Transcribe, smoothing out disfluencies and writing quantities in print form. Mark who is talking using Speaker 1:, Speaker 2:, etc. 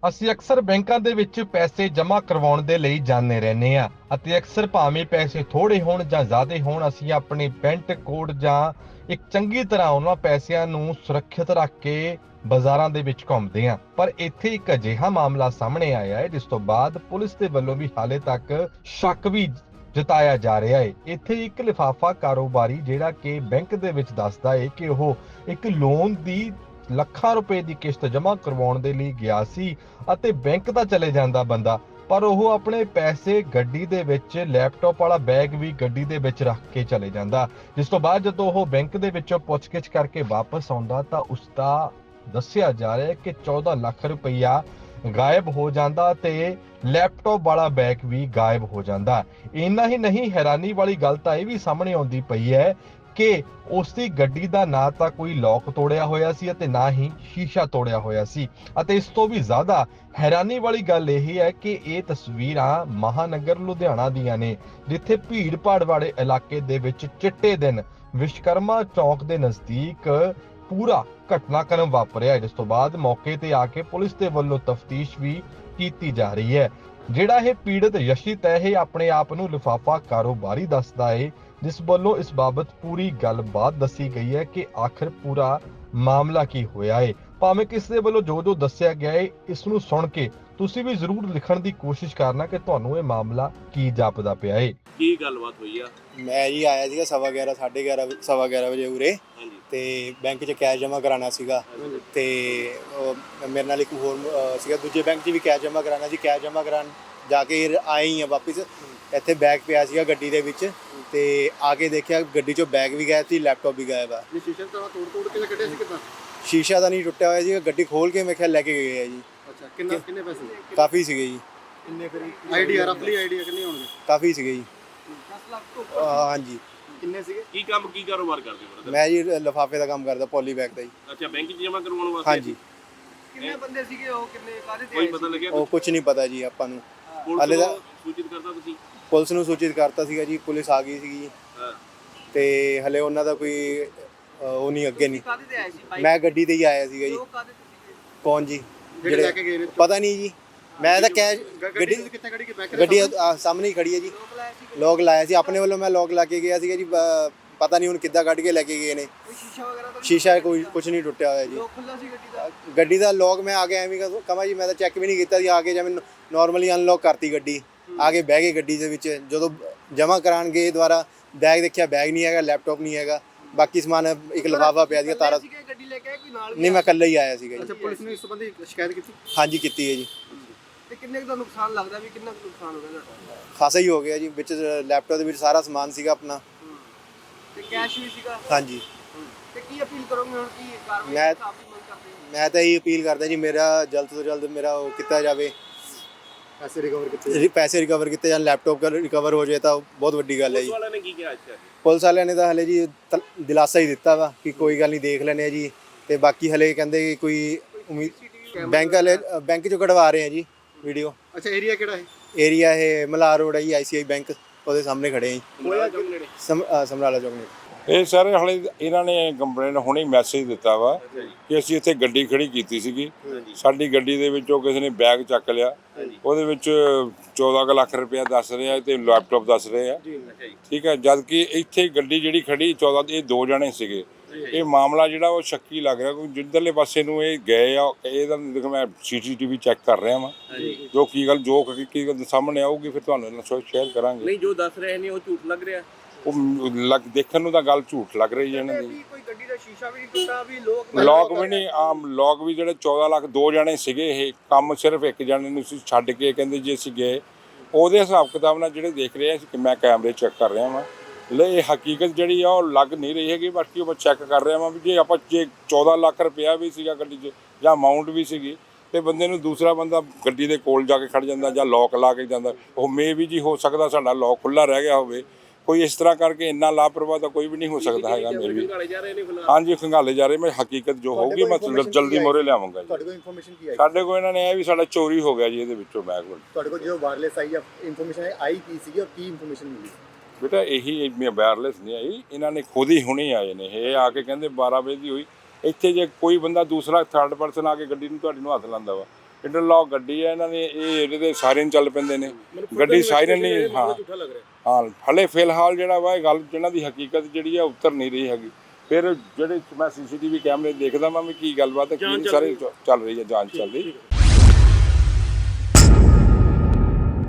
Speaker 1: ਅਸੀਂ ਅਕਸਰ ਬੈਂਕਾਂ ਦੇ ਵਿੱਚ ਪੈਸੇ ਜਮ੍ਹਾਂ ਕਰਵਾਉਣ ਦੇ ਲਈ ਜਾਂਦੇ ਰਹਿੰਦੇ ਆ ਅਤੇ ਅਕਸਰ ਭਾਵੇਂ ਪੈਸੇ ਥੋੜੇ ਹੋਣ ਜਾਂ ਜ਼ਿਆਦਾ ਹੋਣ ਅਸੀਂ ਆਪਣੇ ਬੈਂਕ ਕੋਡ ਜਾਂ ਇੱਕ ਚੰਗੀ ਤਰ੍ਹਾਂ ਉਹਨਾਂ ਪੈਸਿਆਂ ਨੂੰ ਸੁਰੱਖਿਅਤ ਰੱਖ ਕੇ ਬਾਜ਼ਾਰਾਂ ਦੇ ਵਿੱਚ ਘੁੰਮਦੇ ਆ। ਪਰ ਇੱਥੇ ਇੱਕ ਅਜਿਹਾ ਮਾਮਲਾ ਸਾਹਮਣੇ ਆਇਆ ਹੈ ਜਿਸ ਤੋਂ ਬਾਅਦ ਪੁਲਿਸ ਦੇ ਵੱਲੋਂ ਵੀ ਹਾਲੇ ਤੱਕ ਸ਼ੱਕ ਵੀ ਜਤਾਇਆ ਜਾ ਰਿਹਾ ਹੈ। ਇੱਥੇ ਇੱਕ ਲਿਫਾਫਾ ਕਾਰੋਬਾਰੀ ਜਿਹੜਾ ਕਿ ਬੈਂਕ ਦੇ ਵਿੱਚ ਦੱਸਦਾ ਹੈ ਕਿ ਉਹ ਇੱਕ ਲੋਨ ਦੀ ਲੱਖਾਂ ਰੁਪਏ ਦੀ ਕਿਸ਼ਤ ਜਮ੍ਹਾਂ ਕਰਵਾਉਣ ਦੇ ਲਈ ਗਿਆ ਸੀ ਅਤੇ ਬੈਂਕ ਤਾਂ ਚਲੇ ਜਾਂਦਾ ਬੰਦਾ, ਪਰ ਉਹ ਆਪਣੇ ਪੈਸੇ ਗੱਡੀ ਦੇ ਵਿੱਚ ਲੈਪਟਾਪ ਵਾਲਾ ਬੈਗ ਵੀ ਗੱਡੀ ਦੇ ਵਿੱਚ ਰੱਖ ਕੇ ਚਲੇ ਜਾਂਦਾ। ਜਿਸ ਤੋਂ ਬਾਅਦ ਜਦੋਂ ਉਹ ਬੈਂਕ ਦੇ ਵਿੱਚੋਂ ਪੁੱਛਗਿੱਛ ਕਰਕੇ ਵਾਪਸ ਆਉਂਦਾ ਤਾਂ ਉਸ ਦਾ ਦੱਸਿਆ ਜਾ ਰਿਹਾ ਕਿ 14 ਲੱਖ ਰੁਪਈਆ ਗਾਇਬ ਹੋ ਜਾਂਦਾ ਤੇ ਲੈਪਟਾਪ ਵਾਲਾ ਬੈਗ ਵੀ ਗਾਇਬ ਹੋ ਜਾਂਦਾ। ਇੰਨਾ ਹੀ ਨਹੀਂ, ਹੈਰਾਨੀ ਵਾਲੀ ਗੱਲ ਤਾਂ ਇਹ ਵੀ ਸਾਹਮਣੇ ਆਉਂਦੀ ਪਈ ਹੈ ਕਿ ਉਸ ਦੀ ਗੱਡੀ ਦਾ ਨਾ ਤਾਂ ਕੋਈ ਲੋਕ ਤੋੜਿਆ ਹੋਇਆ ਸੀ ਅਤੇ ਨਾ ਹੀ ਸ਼ੀਸ਼ਾ ਤੋੜਿਆ ਹੋਇਆ ਸੀ। ਅਤੇ ਇਸ ਤੋਂ ਵੀ ਜ਼ਿਆਦਾ ਹੈਰਾਨੀ ਵਾਲੀ ਗੱਲ ਇਹ ਹੈ ਕਿ ਇਹ ਤਸਵੀਰਾਂ ਮਹਾਨਗਰ ਲੁਧਿਆਣਾ ਦੀਆਂ ਨੇ, ਜਿੱਥੇ ਭੀੜ ਭਾੜ ਵਾਲੇ ਇਲਾਕੇ ਦੇ ਵਿੱਚ ਚਿੱਟੇ ਦਿਨ ਵਿਸ਼ਕਰਮਾ ਚੌਕ ਦੇ ਨਜ਼ਦੀਕ ਪੂਰਾ ਘਟਨਾਕ੍ਰਮ ਵਾਪਰਿਆ। ਜਿਸ ਤੋਂ ਬਾਅਦ ਮੌਕੇ ਤੇ ਆ ਕੇ ਪੁਲਿਸ ਦੇ ਵੱਲੋਂ ਤਫਤੀਸ਼ ਵੀ ਕੀਤੀ ਜਾ ਰਹੀ ਹੈ। ਜਿਹੜਾ ਇਹ ਪੀੜਤ ਯਸ਼ਿਤ ਹੈ, ਇਹ ਆਪਣੇ ਆਪ ਨੂੰ ਲਿਫਾਫਾ ਕਾਰੋਬਾਰੀ ਦੱਸਦਾ ਹੈ, ਜਿਸ ਵੱਲੋਂ ਇਸ ਬਾਬਤ ਪੂਰੀ ਗੱਲਬਾਤ ਦੱਸੀ ਗਈ ਹੈ ਕਿ ਆਖਿਰ ਪੂਰਾ ਮਾਮਲਾ ਕੀ ਹੋਇਆ ਹੈ। ਭਾਵੇਂ ਕਿਸ ਦੇ ਵੱਲੋਂ ਜੋ ਦੱਸਿਆ ਗਿਆ ਹੈ, ਇਸ ਨੂੰ ਸੁਣ ਕੇ ਤੁਸੀਂ ਵੀ ਜ਼ਰੂਰ ਲਿਖਣ ਦੀ ਕੋਸ਼ਿਸ਼ ਕਰਨਾ ਕਿ ਤੁਹਾਨੂੰ ਇਹ ਮਾਮਲਾ ਕੀ ਜਾਪਦਾ ਪਿਆ ਹੈ।
Speaker 2: ਕੀ ਗੱਲਬਾਤ ਹੋਈ ਆ?
Speaker 3: ਮੈਂ ਜੀ ਆਇਆ ਸੀਗਾ 11:15 11:30 ਵਜੇ ਉਰੇ ਤੇ ਬੈਂਕ 'ਚ ਕੈਸ਼ ਜਮ੍ਹਾਂ ਕਰਾਉਣਾ ਸੀਗਾ ਤੇ ਮੇਰੇ ਨਾਲ ਇੱਕ ਹੋਰ ਸੀਗਾ ਦੂਜੇ ਬੈਂਕ 'ਚ ਵੀ ਕੈਸ਼ ਜਮ੍ਹਾਂ ਕਰਾਉਣਾ ਸੀ। ਕੈਸ਼ ਜਮ੍ਹਾਂ ਕਰਾਉਣ ਜਾ ਕੇ ਆਏ ਹੀ ਆ ਵਾਪਿਸ, ਇੱਥੇ ਬੈਗ ਪਿਆ ਸੀਗਾ ਗੱਡੀ ਦੇ ਵਿੱਚ ਤੇ ਆ ਕੇ ਦੇਖਿਆ ਗੱਡੀ 'ਚੋਂ ਬੈਗ ਵੀ ਗਾਇਬ ਸੀ, ਲੈਪਟਾਪ ਵੀ ਗਾਇਬ ਆ।
Speaker 2: ਸ਼ੀਸ਼ਾ ਤਾਂ ਤੋੜ ਕੇ ਕੱਢਿਆ ਸੀ ਕਿਦਾਂ?
Speaker 3: ਸ਼ੀਸ਼ਾ ਤਾਂ ਨਹੀਂ ਟੁੱਟਿਆ ਹੋਇਆ ਸੀ, ਗੱਡੀ ਖੋਲ ਕੇ ਮੈਂ ਖਿਆਲ ਲੈ ਕੇ ਗਏ ਆ ਜੀ।
Speaker 2: ਅੱਛਾ, ਕਿੰਨੇ ਪੈਸੇ?
Speaker 3: ਕਾਫੀ ਸੀਗੇ ਜੀ।
Speaker 2: ਕਿੰਨੇ ਫਿਰ ਆਈਡੀਆ ਰਫਲੀ ਆਈਡੀਆ ਕਿੰਨੇ ਹੋਣਗੇ?
Speaker 3: ਕਾਫੀ ਸੀਗੇ ਜੀ।
Speaker 2: 10 ਲੱਖ ਤੋਂ
Speaker 3: ਹਾਂਜੀ।
Speaker 2: ਕਿੰਨੇ ਸੀਗੇ? ਕੀ ਕਾਰੋਬਾਰ ਕਰਦੇ ਹੋ?
Speaker 3: ਮੈਂ ਜੀ ਲਿਫਾਫੇ ਦਾ ਕੰਮ ਕਰਦਾ, ਪੋਲੀ ਬੈਗ ਦਾ ਜੀ।
Speaker 2: ਅੱਛਾ, ਬੈਂਕ 'ਚ ਜਮ੍ਹਾਂ ਕਰਵਾਉਣ ਵਾਸਤੇ?
Speaker 3: ਹਾਂਜੀ।
Speaker 2: ਕਿੰਨੇ ਬੰਦੇ ਸੀਗੇ ਉਹ, ਕਿੰਨੇ ਕਾਹਦੇ ਤੇ? ਕੋਈ ਪਤਾ ਲੱਗਿਆ?
Speaker 3: ਉਹ ਕੁਝ ਨਹੀਂ ਪਤਾ ਜੀ ਆਪਾਂ ਨੂੰ।
Speaker 2: ਹਾਲੇ ਦਾ ਸੂਚਿਤ ਕਰਤਾ ਤੁਸੀਂ?
Speaker 3: ਪੁਲਿਸ ਨੂੰ ਸੂਚਿਤ ਕਰਤਾ ਸੀਗਾ ਜੀ, ਪੁਲਿਸ ਆ ਗਈ ਸੀਗੀ ਤੇ ਹਲੇ ਉਹਨਾਂ ਦਾ ਕੋਈ ਉਹ ਨਹੀਂ, ਅੱਗੇ ਨਹੀਂ।
Speaker 2: ਕਾਹਦੇ ਤੇ ਆਏ ਸੀ?
Speaker 3: ਮੈਂ ਗੱਡੀ ਤੇ ਹੀ ਆਇਆ ਸੀਗਾ ਜੀ।
Speaker 2: ਉਹ ਕਾਹਦੇ ਤੇ ਸੀਗੇ?
Speaker 3: ਕੌਣ ਜੀ?
Speaker 2: ਜਿਹੜੇ ਲੈ ਕੇ ਗਏ ਨੇ?
Speaker 3: ਪਤਾ ਨਹੀਂ ਜੀ, ਮੈਂ ਤਾਂ ਕੈਸ਼
Speaker 2: ਗੱਡੀ ਕਿੱਥੇ ਖੜੀ? ਕਿ ਬੈਂਕ ਦੇ
Speaker 3: ਗੱਡੀ ਸਾਹਮਣੇ ਹੀ ਖੜੀ ਹੈ ਜੀ। ਲੋਕ ਲਾਇਆ ਸੀ ਆਪਣੇ ਵੱਲੋਂ, ਮੈਂ ਲੋਕ ਲਾ ਕੇ ਗਿਆ ਸੀਗਾ ਜੀ। ਪਤਾ ਨਹੀਂ ਹੁਣ ਕਿੱਦਾਂ ਕੱਢ ਕੇ ਲੈ ਕੇ ਗਏ ਨੇ।
Speaker 2: ਕੋਈ ਸ਼ੀਸ਼ਾ ਵਗੈਰਾ ਤਾਂ?
Speaker 3: ਸ਼ੀਸ਼ਾ ਕੋਈ ਕੁਝ ਨਹੀਂ ਟੁੱਟਿਆ ਹੋਇਆ ਜੀ।
Speaker 2: ਲੋਕ ਖੁੱਲਾ ਸੀ ਗੱਡੀ ਦਾ?
Speaker 3: ਗੱਡੀ ਦਾ ਲੋਕ ਮੈਂ ਆ ਕੇ ਐਵੇਂ ਕਹਾਂ ਜੀ, ਮੈਂ ਤਾਂ ਚੈੱਕ ਵੀ ਨਹੀਂ ਕੀਤਾ ਸੀ। ਆ ਕੇ ਜਿਵੇਂ ਨੋਰਮਲੀ ਅਨਲੌਕ ਕਰਤੀ ਗੱਡੀ, ਆ ਕੇ ਬਹਿ ਗਏ ਗੱਡੀ ਦੇ ਵਿੱਚ। ਜਦੋਂ ਜਮ੍ਹਾਂ ਕਰਾਉਣ ਗਏ ਦੁਬਾਰਾ ਬੈਗ ਦੇਖਿਆ, ਬੈਗ ਨਹੀਂ ਹੈਗਾ, ਲੈਪਟਾਪ ਨਹੀਂ ਹੈਗਾ, ਬਾਕੀ ਸਮਾਨ ਇੱਕ ਲਿਫਾਫਾ ਪਿਆ ਸੀਗਾ ਤਾਰਾ।
Speaker 2: ਗੱਡੀ ਲੈ ਕੇ ਆਏ ਕੋਈ ਨਾਲ?
Speaker 3: ਨਹੀਂ, ਮੈਂ ਇਕੱਲਾ ਹੀ ਆਇਆ ਸੀਗਾ ਜੀ।
Speaker 2: ਅੱਛਾ, ਪੁਲਿਸ ਨੇ ਇਸ ਸੰਬੰਧੀ ਸ਼ਿਕਾਇਤ ਕੀਤੀ?
Speaker 3: ਹਾਂਜੀ, ਕੀਤੀ ਹੈ ਜੀ।
Speaker 2: ਤੇ ਕਿੰਨੇ ਦਾ ਨੁਕਸਾਨ ਲੱਗਦਾ ਵੀ? ਕਿੰਨਾ ਨੁਕਸਾਨ ਹੋ ਗਿਆ?
Speaker 3: ਖਾਸਾ ਹੀ ਹੋ ਗਿਆ ਜੀ। ਵਿੱਚ ਲੈਪਟਾਪ ਦੇ ਵਿੱਚ ਸਾਰਾ ਸਮਾਨ ਸੀਗਾ ਆਪਣਾ
Speaker 2: ਤੇ ਕੈਸ਼ ਵੀ ਸੀਗਾ?
Speaker 3: ਹਾਂਜੀ।
Speaker 2: ਤੇ ਕੀ ਅਪੀਲ ਕਰੋਗੇ ਹੁਣ? ਕੀ ਕਾਰਵਾਈ
Speaker 3: ਮੈਂ
Speaker 2: ਕਾਫੀ ਮੰਗ ਕਰਦੇ ਹੋ?
Speaker 3: ਮੈਂ ਤਾਂ ਇਹ ਅਪੀਲ ਕਰਦਾ ਜੀ, ਮੇਰਾ ਜਲਦ ਤੋਂ ਜਲਦ ਮੇਰਾ ਉਹ ਕੀਤਾ ਜਾਵੇ, ਪੈਸੇ ਰਿਕਵਰ ਕੀਤੇ ਜਾਣ, ਲੈਪਟਾਪ ਰਿਕਵਰ ਹੋ ਜਾਏ ਤਾਂ ਬਹੁਤ ਵੱਡੀ ਗੱਲ ਹੈ ਜੀ।
Speaker 2: ਪੁਲਿਸ ਵਾਲਿਆਂ ਨੇ ਕੀ ਕਿਹਾ? ਅੱਛਾ,
Speaker 3: ਪੁਲਿਸ ਵਾਲਿਆਂ ਨੇ ਤਾਂ ਹਲੇ ਜੀ ਦਿਲਾਸਾ ਹੀ ਦਿੱਤਾ ਵਾ ਕਿ ਕੋਈ ਗੱਲ ਨਹੀਂ, ਦੇਖ ਲੈਣੇ ਆ ਜੀ। ਤੇ ਬਾਕੀ ਹਲੇ ਕਹਿੰਦੇ ਕਿ ਕੋਈ ਬੈਂਕ ਚੋਂ ਕਢਵਾ ਰਹੇ ਆ ਜੀ ਵੀਡੀਓ।
Speaker 2: ਅੱਛਾ, ਏਰੀਆ ਕਿਹੜਾ ਹੈ?
Speaker 3: ਏਰੀਆ ਇਹ ਮਲਾਰ ਰੋਡ ਹੈ ਜੀ, ICI ਬੈਂਕ ਉਹਦੇ ਸਾਹਮਣੇ ਖੜੇ ਆ ਜੀ, ਸਮਰਾਲਾ ਚੌਕ ਨੇੜੇ।
Speaker 4: ਇਹ ਸਾਰੇ ਹਾਲੇ ਇਹਨਾਂ ਨੇ ਕੰਪਲੇਂਟ ਹੁਣੇ ਮੈਸੇਜ ਦਿੱਤਾ ਵਾ ਕਿ ਅਸੀਂ ਇੱਥੇ ਗੱਡੀ ਖੜੀ ਕੀਤੀ ਸੀਗੀ, ਸਾਡੀ ਗੱਡੀ ਦੇ ਵਿੱਚੋਂ ਕਿਸੇ ਨੇ ਬੈਗ ਚੱਕ ਲਿਆ, ਉਹਦੇ ਵਿੱਚ 14 ਲੱਖ ਰੁਪਇਆ ਦੱਸ ਰਹੇ ਆ ਤੇ ਲੈਪਟਾਪ ਦੱਸ ਰਹੇ ਆ। ਠੀਕ ਹੈ, ਜਦ ਕਿ ਇੱਥੇ ਗੱਡੀ ਜਿਹੜੀ ਖੜੀ 14 ਇਹ 2 ਜਣੇ ਸੀਗੇ। ਇਹ ਮਾਮਲਾ ਜਿਹੜਾ ਉਹ ਸ਼ੱਕੀ ਲੱਗ ਰਿਹਾ, ਕੋਈ ਜਿੱਧਰਲੇ ਪਾਸੇ ਨੂੰ ਇਹ ਗਏ ਆ। ਇਹਦਾ ਦੇਖੋ ਮੈਂ CCTV ਚੈੱਕ ਕਰ ਰਿਹਾ ਵਾਂ, ਜੋ ਕੀ ਗੱਲ ਸਾਹਮਣੇ ਆਊਗੀ ਫਿਰ ਤੁਹਾਨੂੰ ਸ਼ੇਅਰ ਕਰਾਂਗੇ।
Speaker 2: ਨਹੀਂ, ਜੋ ਦੱਸ ਰਹੇ ਨੇ ਉਹ ਝੂਠ ਲੱਗ ਰਿਹਾ?
Speaker 4: ਉਹ ਦੇਖਣ ਨੂੰ ਤਾਂ ਗੱਲ ਝੂਠ ਲੱਗ ਰਹੀ ਹੈ ਇਹਨਾਂ ਦੀ।
Speaker 2: ਕੋਈ ਗੱਡੀ ਦਾ ਸ਼ੀਸ਼ਾ ਵੀ ਨਹੀਂ ਟੁੱਟਾ, ਵੀ
Speaker 4: ਲੋਕ ਵੀ ਨਹੀਂ, ਆਮ ਲੋਕ ਵੀ ਜਿਹੜੇ 14 ਲੱਖ 2 ਜਣੇ ਸੀਗੇ, ਇਹ ਕੰਮ ਸਿਰਫ ਇੱਕ ਜਣੇ ਨੂੰ ਸੀ ਛੱਡ ਕੇ ਕਹਿੰਦੇ ਜੇ ਅਸੀਂ ਗਏ। ਉਹਦੇ ਹਿਸਾਬ ਕਿਤਾਬ ਨਾਲ ਜਿਹੜੇ ਦੇਖ ਰਹੇ ਆ ਕਿ ਮੈਂ ਕੈਮਰੇ ਚੈੱਕ ਕਰ ਰਿਹਾ ਵਾਂ, ਇਹ ਹਕੀਕਤ ਜਿਹੜੀ ਆ ਉਹ ਲੱਗ ਨਹੀਂ ਰਹੀ ਹੈਗੀ। ਬਾਕੀ ਉਹ ਮੈਂ ਚੈੱਕ ਕਰ ਰਿਹਾ ਵਾਂ ਵੀ ਜੇ 14 ਲੱਖ ਰੁਪਇਆ ਵੀ ਸੀਗਾ ਗੱਡੀ 'ਚ ਜਾਂ ਅਮਾਊਂਟ ਵੀ ਸੀਗੀ ਤੇ ਬੰਦੇ ਨੂੰ ਦੂਸਰਾ ਬੰਦਾ ਗੱਡੀ ਦੇ ਕੋਲ ਜਾ ਕੇ ਖੜ ਜਾਂਦਾ ਜਾਂ ਲੋਕ ਲਾ ਕੇ ਜਾਂਦਾ। ਉਹ ਮੇ ਵੀ ਜੀ ਹੋ ਸਕਦਾ ਸਾਡਾ ਲੋਕ ਖੁੱਲ੍ਹਾ ਰਹਿ ਗਿਆ ਹੋਵੇ, ਕੋਈ ਇਸ ਤਰ੍ਹਾਂ ਕਰਕੇ ਇੰਨਾ ਲਾਪਰਵਾਹ ਤਾਂ ਕੋਈ ਵੀ ਨਹੀਂ ਹੋ ਸਕਦਾ ਹੈਗਾ। ਮੇਬੀ ਹਾਂਜੀ, ਖੰਗਾਲੇ ਜਾ ਰਹੇ। ਮੈਂ ਹਕੀਕਤ ਜੋ ਹੋਊਗੀ ਮੈਂ ਜਲਦੀ ਮੋਰੇ ਲਿਆਵਾਂਗਾ ਜੀ।
Speaker 3: ਤੁਹਾਡੇ ਕੋਲ ਇਨਫੋਰਮੇਸ਼ਨ ਕੀ ਆਈ?
Speaker 4: ਸਾਡੇ ਕੋਲ ਇਹਨਾਂ ਨੇ ਇਹ ਵੀ ਸਾਡਾ ਚੋਰੀ ਹੋ ਗਿਆ ਜੀ, ਇਹਦੇ ਵਿੱਚੋਂ ਬੈਗ।
Speaker 3: ਤੁਹਾਡੇ ਕੋਲ ਜੋ ਵਾਇਰਲੈਸ ਆਈ ਇਨਫੋਰਮੇਸ਼ਨ ਆਈ ਕੀ ਸੀਗੀ ਔਰ ਕੀ ਇਨਫੋਰਮੇਸ਼ਨ ਮਿਲੀ?
Speaker 4: ਬੇਟਾ ਇਹੀ ਵਾਇਰਲੈਸ ਨਹੀਂ ਆਈ, ਇਹਨਾਂ ਨੇ ਖੁਦ ਹੀ ਹੁਣੇ ਆਏ ਨੇ। ਇਹ ਆ ਕੇ ਕਹਿੰਦੇ 12 ਵਜੇ ਦੀ ਹੋਈ। ਇੱਥੇ ਜੇ ਕੋਈ ਬੰਦਾ ਦੂਸਰਾ ਥਰਡ ਪਰਸਨ ਆ ਕੇ ਗੱਡੀ ਨੂੰ ਤੁਹਾਡੀ ਨੂੰ ਹੱਥ ਲਾਉਂਦਾ ਵਾ, ਇੰਟਰਲੌਕ ਗੱਡੀ ਹੈ ਇਹਨਾਂ ਦੀ, ਇਹ ਇਹਦੇ ਸਾਇਰਨ ਚੱਲ ਪੈਂਦੇ ਨੇ, ਗੱਡੀ ਸਾਇਰਨ ਨਹੀਂ। ਹਾਂ ਹਾਂ, ਹਲੇ ਫਿਲਹਾਲ ਜਿਹੜਾ ਵਾ ਇਹ ਗੱਲ ਜਿਹਨਾਂ ਦੀ ਹਕੀਕਤ ਜਿਹੜੀ ਆ ਉਤਰ ਨਹੀਂ ਰਹੀ ਹੈਗੀ। ਫਿਰ ਜਿਹੜੇ ਮੈਂ CCTV ਕੈਮਰੇ ਦੇਖਦਾ ਮੈਂ ਵੀ ਕੀ ਗੱਲਬਾਤ ਹੈ, ਕੀ ਸਾਰੇ ਚੱਲ ਰਹੀ ਹੈ, ਜਾਂਚ ਚੱਲ ਰਹੀ।